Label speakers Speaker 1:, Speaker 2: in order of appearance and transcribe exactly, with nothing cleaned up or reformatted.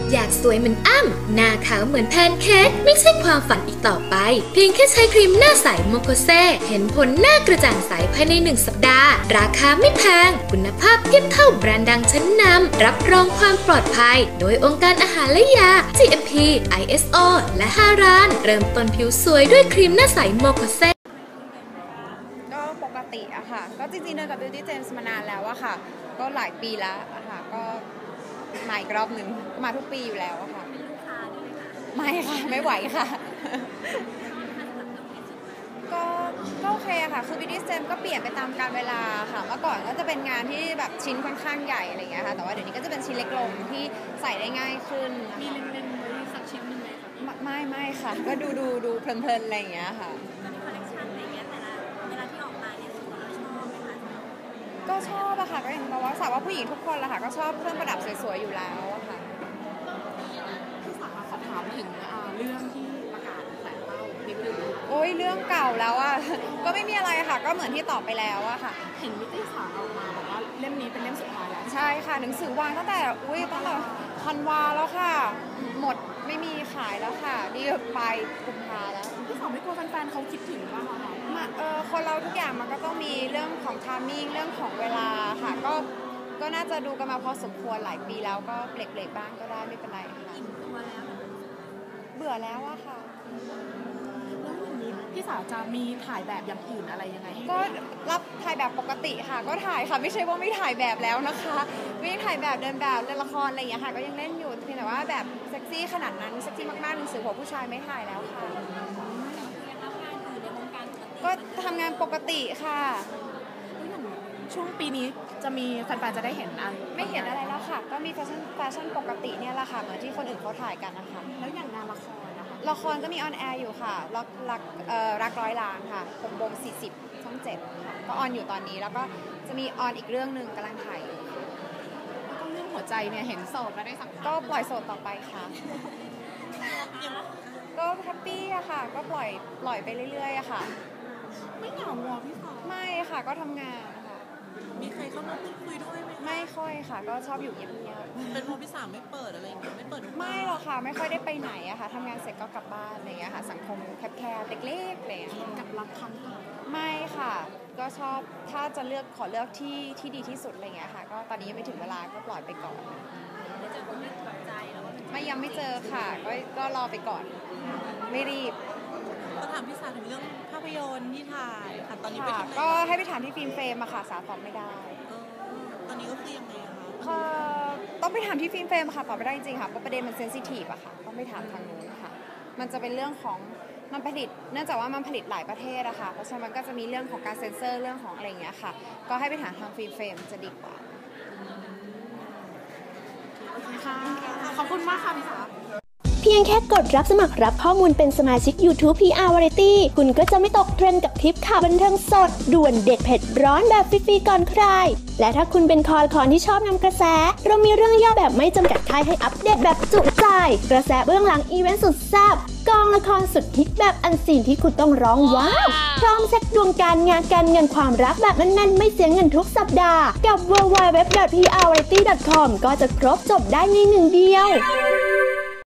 Speaker 1: อยากสวยเหมือนอ้ำหน้าขาวเหมือนแพนเค้กไม่ใช่ความฝันอีกต่อไปเพียงแค่ใช้ครีมหน้าใสโมโคเซเห็นผลหน้ากระจ่างใสภายในหนึ่งสัปดาห์ราคาไม่แพงคุณภาพเทียบเท่าแบรนด์ดังชั้นนำรับรองความปลอดภัยโดยองค์การอาหารและยา จี เอ็ม พี ไอ เอส โอ และฮารานเริ่มต้นผิวสวยด้วยครีมหน้าใสโมโคเซ
Speaker 2: ก็ปกติอะค่ะก็จริงๆเดินกับ Beauty James มานานแล้วอะค่ะก็หลายปีแล้วอะค่ะก็มาอีกรอบหนึ่งก็มาทุกปีอยู่แล้วอะค่ะเป็นลูกค้าด้วยไหมคะไม่ค่ะไม่ไหวค่ะก็ก็โอเคค่ะคือ Beauty James ก็เปลี่ยนไปตามกาลเวลาค่ะเมื่อก่อนก็จะเป็นงานที่แบบชิ้นค่อนข้างใหญ่อะไรอย่างเงี้ยค่ะแต่ว่าเดี๋ยวนี้ก็จะเป็นชิ้นเล็กลงที่ใส่ได้ง่ายขึ้นมีเล็งๆไว้สักชิ้นนึงไหมคะไม่ไม่ค่ะก็ดูดูดูเพลินๆอะไรอย่างเงี้ยค่ะก็ชอบอะค่ะก็อย่างบอกว่าสาวว่าผู้หญิงทุกคนละค่ะก็ชอบเครื่องประดับสวยๆอยู่แล้วอะค่ะ
Speaker 3: พี่สาวขอถามถึงเรื่องที่ประกาศแขวนเป้านิดนึง
Speaker 2: โอ้ยเรื่องเก่าแล้วอะก็ไม่มีอะไรค่ะก็เหมือนที่ตอบไปแล้วอะค่ะ
Speaker 3: เห็นมิตรสารออกมาบอกว่าเล่มนี้เป็นเล่มสุดท้ายแล้ว
Speaker 2: ใช่ค่ะหนังสือวางตั้งแต่อุ้ยตั้งแต่ธันวาแล้วค่ะหมดไม่มีขายแล้วค่ะนี่ไปกุมภาแล้ว
Speaker 3: พี่สาวไม่กลัวแฟนๆเขาคิดถึงบ้างเหรอคะ
Speaker 2: มาเออคนเราทุกอย่างมันก็ต้องมีเรื่องของไทมิ่งเรื่องของเวลาค่ะก็ก็น่าจะดูกันมาพอสมควรหลายปีแล้วก็เบรกๆบ้างก็ได้ไม่เป็นไรค่ะเบื่อแล้วอะค่ะ
Speaker 3: แล้วอย่างนี้พี่สาวจะมีถ่ายแบบอย่างอื่นอะไรยังไง
Speaker 2: ก็รับถ่ายแบบปกติค่ะก็ถ่ายค่ะไม่ใช่ว่าไม่ถ่ายแบบแล้วนะคะไม่ถ่ายแบบเดินแบบเล่นละครอะไรอย่างเงี้ยค่ะก็ยังเล่นอยู่เพียงแต่ว่าแบบเซ็กซี่ขนาดนั้นเซ็กซี่มากๆหนังสือหัวผู้ชายไม่ถ่ายแล้วค่ะก็ทำงานปกติค่ะ
Speaker 3: ช่วงปีนี้จะมีแฟนๆจะได้เห็นอะไร
Speaker 2: ไม่เห็นอะไรแล้วค่ะก็มีแฟชั่นแฟชั่นปกติเนี่ยแหละค่ะเหมือนที่คนอื่นเขาถ่ายกันนะคะ
Speaker 3: แล้วอย่างงานละครนะคะ
Speaker 2: ละครก็มีออนแอร์อยู่ค่ะรักรักเอ่อรักร้อยล้านค่ะหกโมงสี่สิบช่องเจ็ดค่ะก็ออนอยู่ตอนนี้แล้วก็จะมีออนอีกเรื่องนึงกำลังถ่ายอยู่
Speaker 3: แล้วก็เรื่องหัวใจเนี่ยเห็นโสดมาได้สักพัก
Speaker 2: ก็ปล่อยโสดต่อไปค่ะก็แฮปปี้อะค่ะก็ปล่อยปล่อยไปเรื่อยๆอะค่ะ
Speaker 3: ไม่เหงาหรอพี่สาว
Speaker 2: ไม่ค่ะก็ทำงานค่ะ
Speaker 3: มีใครเข้ามาพูดคุยด้วยไหม
Speaker 2: ไม่ค่อยค่ะก็ชอบอยู่เงียบ
Speaker 3: ๆเป็นเพราะพี่สาวไม่เปิดอะไรอย่างเงี้ยไม่เปิด
Speaker 2: ไม่หรอกค่ะไม่ค่อยได้ไปไหนอะค่ะทำงานเสร็จก็กลับบ้านอะไรอย่างเงี้ยค่ะสังคมแคบๆเล็กๆอะไรอย่างเงี้ย
Speaker 3: กับรักครั้งก่อน
Speaker 2: ไม่ค่ะก็ชอบถ้าจะเลือกขอเลือกที่ที่ดีที่สุดอะไรอย่างเงี้ยค่ะก็ตอนนี้ยังไม่ถึงเวลาก็ปล่อยไปก่อน
Speaker 3: ไม่เจอคนที่ถูกใจแล้ว
Speaker 2: ไม่ยังไม่เจอค่ะก็ก็รอไปก่อนไม่รีบ
Speaker 3: ก็ถามพี่สาวถึงเรื่องภาพยนตร์ที่ถ่ายค่ะตอนนี้ไปทำอะไร
Speaker 2: ก็ให้ไปถามที่ฟิล์มเฟรมอะค่ะสาตอบไม่ได้
Speaker 3: ตอนนี้ก็คือยังไงคะ
Speaker 2: ค่ะต้องไปถามที่ฟิล์มเฟรมค่ะตอบไม่ได้จริงๆค่ะเพราะประเด็นมันเซนซิทีฟอะค่ะต้องไปถามทางนู้นค่ะมันจะเป็นเรื่องของมันผลิตเนื่องจากว่ามันผลิตหลายประเทศอะค่ะเพราะฉะนั้นมันก็จะมีเรื่องของการเซ็นเซอร์เรื่องของอะไรอย่างเงี้ยค่ะก็ให้ไปถามทางฟิล์มเฟรมจะดีกว่า
Speaker 3: ค่ะขอบคุณมากค่ะพี่สาว
Speaker 4: เพียงแค่กดรับสมัครรับข้อมูลเป็นสมาชิก YouTube พี อาร์ Variety คุณก็จะไม่ตกเทรนด์กับทริปข่าวบันเทิงสดด่วนเด็ดเผ็ดร้อนแบบฟรีๆก่อนใครและถ้าคุณเป็นคอละครที่ชอบนำกระแสเรามีเรื่องย่อแบบไม่จำกัดค่ายให้อัปเดตแบบจุใจกระแสเบื้องหลังอีเวนต์สุดแซ่บกองละครสุดฮิตแบบอันซีนที่คุณต้องร้องว้าวพร้อมเซ็ตดวงการงานการเงินความรักแบบแน่นๆไม่เสียเงินทุกสัปดาห์กับ ดับเบิลยู ดับเบิลยู ดับเบิลยู ดอท พี อาร์ วาไรตี้ ดอท คอม ก็จะครบจบได้ในหนึ่งเดียว